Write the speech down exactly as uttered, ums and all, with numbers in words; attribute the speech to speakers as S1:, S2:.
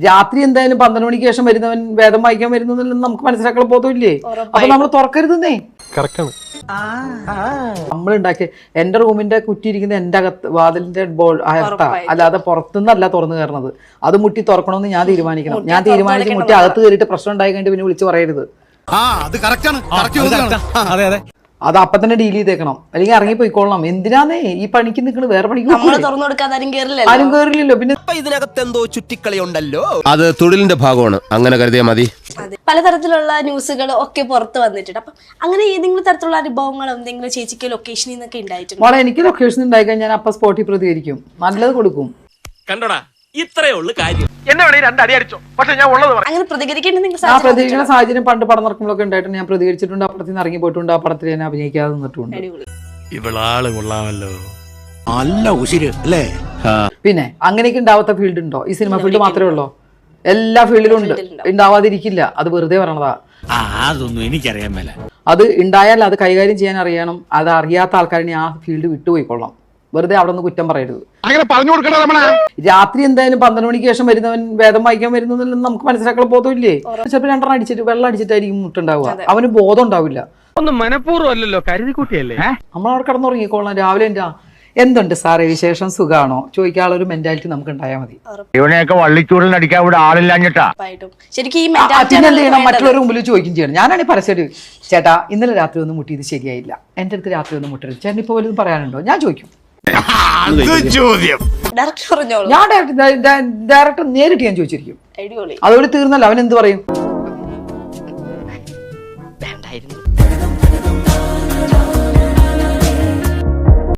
S1: രാത്രി എന്തായാലും പന്ത്രണ്ട് മണിക്ക് ശേഷം വരുന്നവൻ വേദം വായിക്കാൻ വരുന്നതിൽ നമുക്ക് മനസ്സിലാക്കാൻ ബോധമില്ലേ? അപ്പൊ നമ്മൾ തുറക്കരുതെന്നേ. നമ്മളുണ്ടാക്കിയ എന്റെ റൂമിന്റെ കുറ്റിയിരിക്കുന്ന എന്റെ അകത്ത് വാതിലിന്റെ ബോൾ അകത്താ, അല്ലാതെ പുറത്തുനിന്നല്ല തുറന്നു കയറണത്. അത് മുട്ടി തുറക്കണമെന്ന് ഞാൻ തീരുമാനിക്കണം. ഞാൻ തീരുമാനിച്ച് മുട്ടി അകത്ത് കയറിയിട്ട് പ്രശ്നം ഉണ്ടായി കഴിഞ്ഞിട്ട് പിന്നെ വിളിച്ച് പറയരുത്. അത് അപ്പൊ തന്നെ ഡീൽ ചെയ്തേക്കണം, അല്ലെങ്കിൽ ഇറങ്ങി പോയിക്കൊള്ളണം. എന്തിനാന്നേ ഈ പണിക്ക് നിൽക്കണത്? വേറെ പണിക്ക് ആരും കേറില്ലല്ലോ. പിന്നെ
S2: ഇതിനകത്ത് എന്തോ ചുറ്റിക്കളി ഉണ്ടല്ലോ. അത് തൊഴിലിന്റെ ഭാഗമാണ്, അങ്ങനെ കരുതിയാൽ മതി.
S3: പലതരത്തിലുള്ള ന്യൂസുകൾ ഒക്കെ പുറത്ത് വന്നിട്ടുണ്ട്. അപ്പൊ അങ്ങനെ ഏതെങ്കിലും തരത്തിലുള്ള അനുഭവങ്ങൾ എന്തെങ്കിലും ചേച്ചിക്ക് ലൊക്കേഷനിൽ നിന്നൊക്കെ ഉണ്ടായിട്ടുണ്ട്?
S1: മോളെ, എനിക്ക് ലൊക്കേഷൻ ഉണ്ടായി കഴിഞ്ഞാൽ ഞാൻ അപ്പൊ സ്പോട്ടിൽ പ്രതികരിക്കും, നല്ലത് കൊടുക്കും.
S4: കണ്ടോടാ, ഇത്രേ ഉള്ളു കാര്യം.
S3: അങ്ങനെ പ്രതികരിക്കേണ്ട
S1: ആ പ്രതികരിക്കുന്ന സാഹചര്യം പണ്ട് പടം നടക്കുമ്പോഴൊക്കെ ഉണ്ടായിട്ടുണ്ട്. ഞാൻ പ്രതികരിച്ചിട്ടുണ്ട്, അപ്പുറത്ത് നിന്ന് ഇറങ്ങി പോയിട്ടുണ്ട്, ആ പടത്തിൽ ഞാൻ അഭിനയിക്കാതെ നിന്നിട്ടുണ്ട്.
S4: ഇവളാള് കൊള്ളാമല്ലോ,
S2: നല്ല ഉശിര് അല്ലേ?
S1: പിന്നെ അങ്ങനെയൊക്കെ ഉണ്ടാവാത്ത ഫീൽഡ് ഉണ്ടോ? ഈ സിനിമ ഫീൽഡ് മാത്രമേ ഉള്ളൂ? എല്ലാ ഫീൽഡിലും ഉണ്ട്, ഉണ്ടാവാതിരിക്കില്ല. അത് വെറുതെ പറയണതാ.
S4: അതൊന്നും എനിക്കറിയാൻ മേല.
S1: അത് ഉണ്ടായാൽ അത് കൈകാര്യം ചെയ്യാൻ അറിയണം. അത് അറിയാത്ത ആൾക്കാരെ ആ ഫീൽഡ് വിട്ടുപോയിക്കൊള്ളാം. വെറുതെ അവിടെ നിന്ന് കുറ്റം പറയരുത്.
S5: അങ്ങനെ പറഞ്ഞു കൊടുക്കണ
S1: രാത്രി എന്തായാലും പന്ത്രണ്ട് മണിക്ക് ശേഷം വരുന്നവൻ വേദം വായിക്കാൻ വരുന്നതിൽ നമുക്ക് മനസ്സിലാക്കാൻ ബോധമില്ലേ? ചിലപ്പോൾ രണ്ടെണ്ണം അടിച്ചിട്ട് വെള്ളം അടിച്ചിട്ടായിരിക്കും മുട്ടുണ്ടാവുക. അവന് ബോധം ഉണ്ടാവില്ല.
S5: ഒന്നും മനഃപൂർവ്വം അല്ലല്ലോ, കരുതിക്കുട്ടിയല്ലേ.
S1: നമ്മളവിടെ കിടന്നുറങ്ങിക്കോളാം. രാവിലെ എന്താ എന്തുണ്ട് സാറേ വിശേഷം, സുഖാണോ ചോദിക്കാനുള്ളൊരു മെന്റാലിറ്റി നമുക്ക് ഉണ്ടായാൽ മതി.
S5: ഇവനെയൊക്കെ വള്ളിച്ചൂടിൽ അടിക്കാൻ ഇവിടെ ആളില്ലാഞ്ഞിട്ടാ.
S1: പിന്നെ എന്ത് ചെയ്യണം? മറ്റുള്ളവരുടെ മുമ്പിൽ ചോദിക്കും ചെയ്യണം. ഞാനാണ് പരസ്യം, ചേട്ടാ ഇന്നലെ രാത്രി ഒന്നും മുട്ടിയത് ശരിയായില്ല, എന്റെ അടുത്ത് രാത്രി ഒന്നും മുട്ടരുത്, ചേട്ടൻ ഇപ്പൊ വല്ലതും പറയാനുണ്ടോ? ഞാൻ ചോദിക്കും. ഞാൻ ഡയറക്ടർ നേരിട്ട് ഞാൻ ചോദിച്ചിരിക്കും. അതോടെ തീർന്നല്ലോ. അവൻ എന്ത് പറയും?